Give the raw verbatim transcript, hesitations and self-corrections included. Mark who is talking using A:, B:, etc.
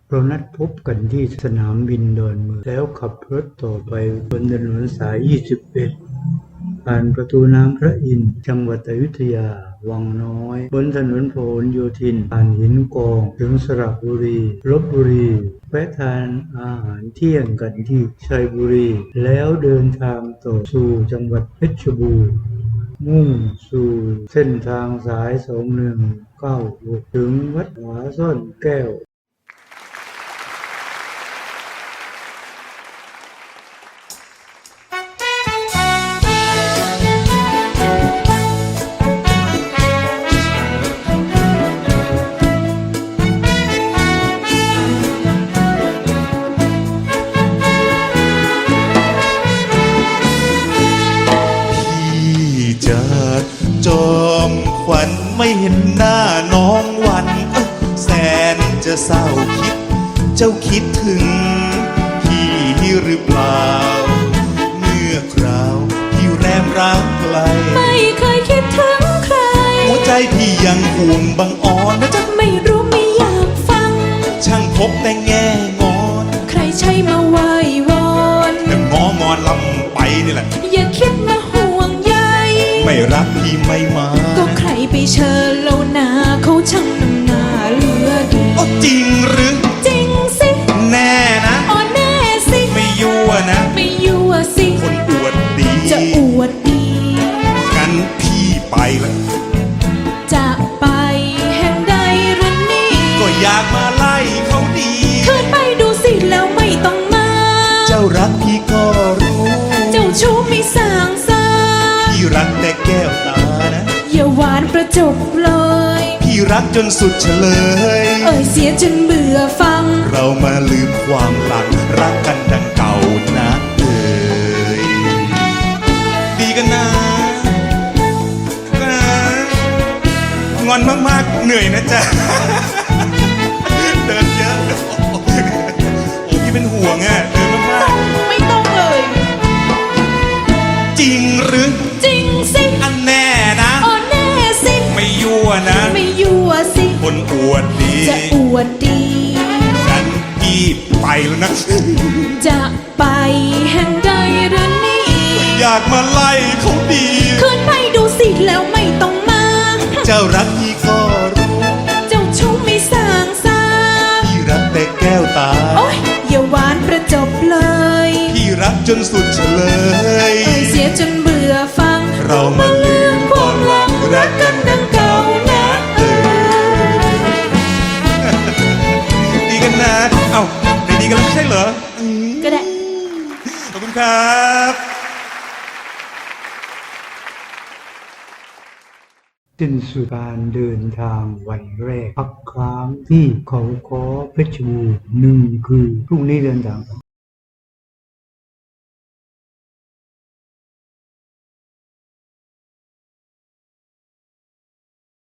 A: เรานัดพบกันที่สนามบินดอนเมืองแล้วขับรถต่อไปบนถนนสาย ยี่สิบเอ็ด ผ่านประตูน้ำพระอินทร์จังหวัดอยุธยา วังน้อย บนถนนพหลโยธิน ผ่านหินกองถึงสระบุรี ลพบุรี แวะทานอาหารเที่ยงกันที่ชัยบุรี แล้วเดินทางต่อสู่จังหวัดเพชรบูรณ์ มุ่งสู่เส้นทางสาย สองหนึ่งเก้าหก ถึงวัดผาซ่อนแก้ว
B: จอมขวัญไม่เห็นหน้าน้องวันแสนจะเศร้าคิดเจ้าคิดถึงพี่หรือเปล่าเมื่อคราวที่แรมรักไกล
C: ไม่เคยคิดถึงใคร
B: หัวใจพี่ยังห่วงบังอ่อนนะจ๊ะ
C: ไม่รู้ไม่อยากฟัง
B: ช่างพบแต่แง่งอน
C: ใครใช่มาไหว้วอน
B: แต่งองอนลำไปนี่แหละ
C: อย่าคิดมาห่วงใย
B: ไม่รักพี่ไม่มา
C: ก็ใครไปเชิญเล่านาเขาช่างน้ำหน้าเหลือดี
B: โอ้จริงหรือ
C: จริงสิ
B: แน่นะ
C: อ๋อแน่สิ
B: ไม่ยั่วนะ
C: ไม่ยั่วสิ
B: คนอวดดี
C: จะอวดดี
B: งั้นพี่ไปละ
C: จะไปแห่งใดหรือนี่
B: ก็อยากมาไล่เขาดี
C: คืนไปดูสิแล้วไม่ต้องมา
B: เจ้ารักพี่ก็รู้
C: เจ้าชู้ไม่สางซา
B: พี่รักแต่แก้วตานะ
C: อย่าหวานประจบเลย
B: พี่รักจนสุดเฉลย
C: เอ่ยเสียจนเบื่อฟัง
B: เรามาลืมความหลังรักกันดังเก่านะเอ่ยดีกันนะนะงอนมากๆเหนื่อยนะจ๊ะเดินเยอะโอ้พี่เป็นห่วงอ่ะเดินมาก
C: ๆไม่ต้องเลย
B: จริงหรือ
C: จริงสิ
B: อันแน่นะ
C: อ๋อแน่สิ
B: ไม่ยั่วนะ
C: ไม่ยั่วสิ
B: คนอวดดี
C: จะอวดดี
B: กันพี่ไปแล้วนะ
C: จะไปแห่งใดหรือนี่
B: อยากมาไล่เขาดี
C: คืนไปดูสิแล้วไม่ต้องมา
B: เจ้ารักพี่ก็รู้
C: เจ้าชู้ไม่สางซา
B: พี่รักแต่แก้วตา
C: โอ๊ยอย่าหวานประจบเลย
B: พี่รักจนสุดเฉลย
C: เอ่ยเสียจนเบื่อฟัง
B: เรามาลืมความหลังรักกันดังเก่านะเออดีกันนะเอ้าไม่ดีกันแล้วไม่ใช่เหรอ
C: ก็ได้
B: ขอบคุณครับ
A: สิ้นสุดการเดินทางวันแรกพักค้างที่เขาค้อเพชรบูรณ์หนึ่งคือพรุ่งนี้เดินทาง